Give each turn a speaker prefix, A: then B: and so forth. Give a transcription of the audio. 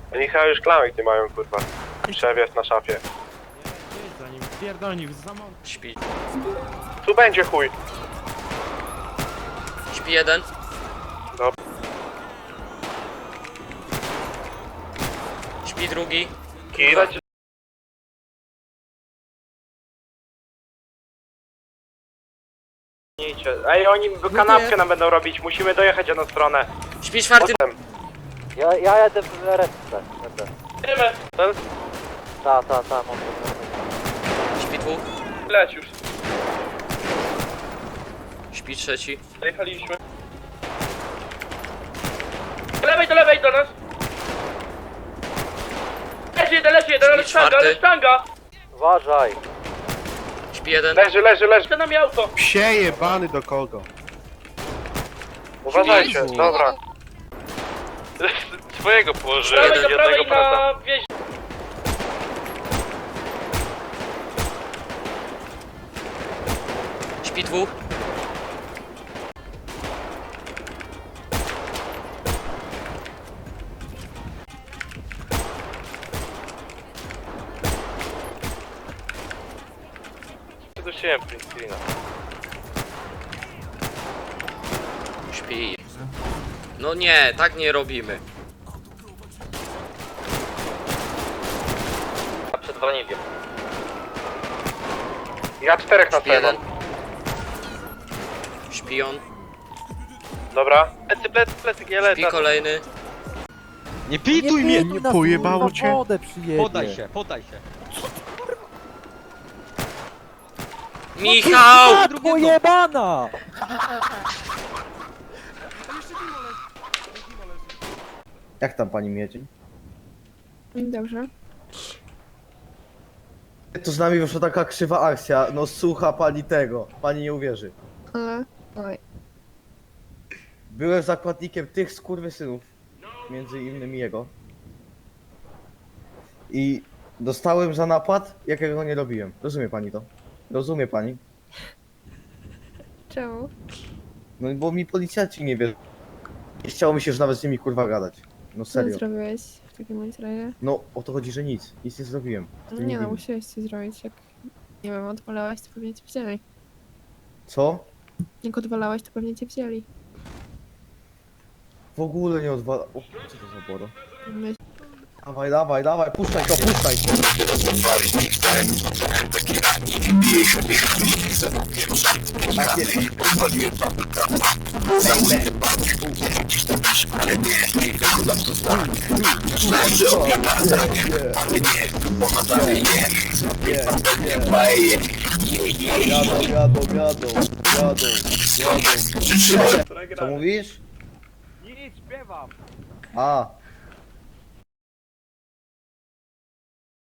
A: Oni chyba już klamek nie mają, kurwa. Szef jest na szafie.
B: Jedź za nim, pierdolnij, za mąż.
C: Śpi.
A: Tu będzie chuj.
C: Śpi jeden.
A: Dobra.
C: Śpi drugi.
A: Kidać. Ej, oni kanapkę nam będą robić, musimy dojechać jedną stronę.
C: Śpi czwarty.
D: Ja jadę w resztę.
A: Idziemy. Ten?
D: Ta, mam.
C: Śpi dwóch.
A: Leć już.
C: Śpi trzeci.
A: Dojechaliśmy. Do lewej do nas. Leci jeden, ale
C: czwarty.
A: sztanga.
D: Uważaj.
C: Śpi jeden.
A: Leży. To nam auto.
E: Psie jebany do kogo?
A: Uważajcie,
C: Jezu.
A: dobra. Swojego położyłem, jednego brata.
C: Śpi dwóch.
A: Przedusiłem print screena.
C: Śpi. No nie, tak nie robimy.
A: Przed Wronikiem. Ja 4 na
C: Śpi jeden.
A: pewno.
C: Śpi on.
A: Dobra. Plecy, nie lecę.
C: Śpi kolejny.
F: Nie pituj mnie!
E: Nie pojebało cię?
D: Wodę przyjedzie.
F: Podaj się.
C: Michał!
D: Matko jebana!
G: Jak tam pani Miedzin?
H: Dobrze.
G: To z nami wyszła taka krzywa akcja, no słucha pani tego, pani nie uwierzy.
H: Ale... Oj.
G: Byłem zakładnikiem tych skurwysynów, między innymi jego. I dostałem za napad, jakiego nie robiłem. Rozumie pani to? Rozumie pani?
H: Czemu?
G: No bo mi policjanci nie wierzą. Nie chciało mi się już nawet z nimi kurwa gadać. No
H: Co
G: serio.
H: zrobiłeś w takim bądź razie?
G: No o to chodzi, że nic nie zrobiłem.
H: No
G: Ty
H: nie no,
G: winny.
H: musiałeś coś zrobić, jak... Nie wiem, odwalałeś, to pewnie cię wzięli.
G: Co?
H: Jak odwalałeś, to pewnie cię wzięli.
G: W ogóle nie odwala... O, co to za boro?
H: My...
G: Dawaj, puszczaj to. Tak jest. Jadą. Co mówisz?
B: Nic, śpiewam.
G: A,